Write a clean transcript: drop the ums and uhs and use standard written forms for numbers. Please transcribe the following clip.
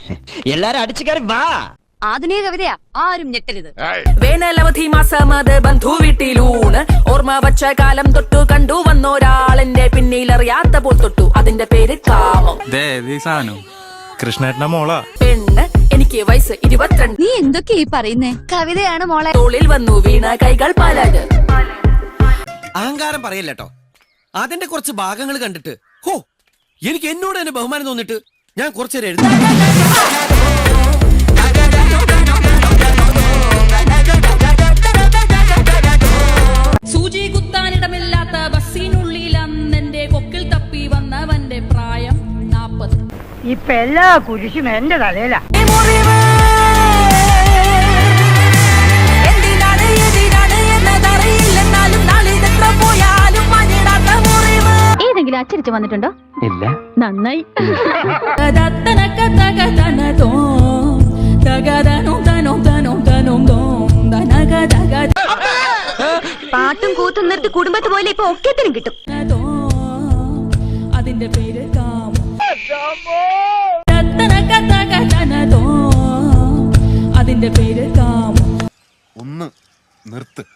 എല്ലാരും അടിച്ചു കയറി വാ. ആധുനിക കവിതയാ, ആരും ഞെട്ടരുത്. വേനലവധി മാസമത് ബന്ധു വീട്ടിലൂണ്. ഓർമ്മ വച്ച കാലം തൊട്ടു കണ്ടു വന്നൊരാളെന്റെ പിന്നിലറിയാത്ത പോൽ തൊട്ടു. അതിന്റെ പേര് കാമം. കൃഷ്ണേട്ടന്റെ മോളാ. പെണ്ണ്, എനിക്ക് വയസ്സ് 22. നീ എന്തൊക്കെ ഈ പറയുന്നേ? കവിതയാണ് മോളെ. തോളിൽ വന്നു വീണ കൈകൾ പലത്. അഹങ്കാരം പറയല്ലോ. അതിന്റെ കുറച്ച് ഭാഗങ്ങൾ കണ്ടിട്ട് ഹോ എനിക്ക് എന്നോട് തന്നെ ബഹുമാനം തോന്നിട്ട് ഞാൻ കുറച്ചേരം എഴുതി. സൂചി കുത്താനിടമില്ലാത്ത ബസ്സിനുള്ളിൽ അന്നെന്റെ കൊക്കിൽ തപ്പി വന്നവന്റെ പ്രായം 40. ഇപ്പൊ എല്ലാ കുരിശും എന്റെ തലയിലാ. ഏതെങ്കിലും അച്ചടിച്ച് വന്നിട്ടുണ്ടോ? ഇല്ല. നന്നായി. പാട്ടും കൂത്തും നിർത്തി കുടുംബത്ത് പോലെ ഇപ്പൊ ഒക്കത്തിനും കിട്ടും. അതിന്റെ പേര് കാമം. അതിന്റെ പേര് കാമം. ഒന്ന് നിർത്ത്.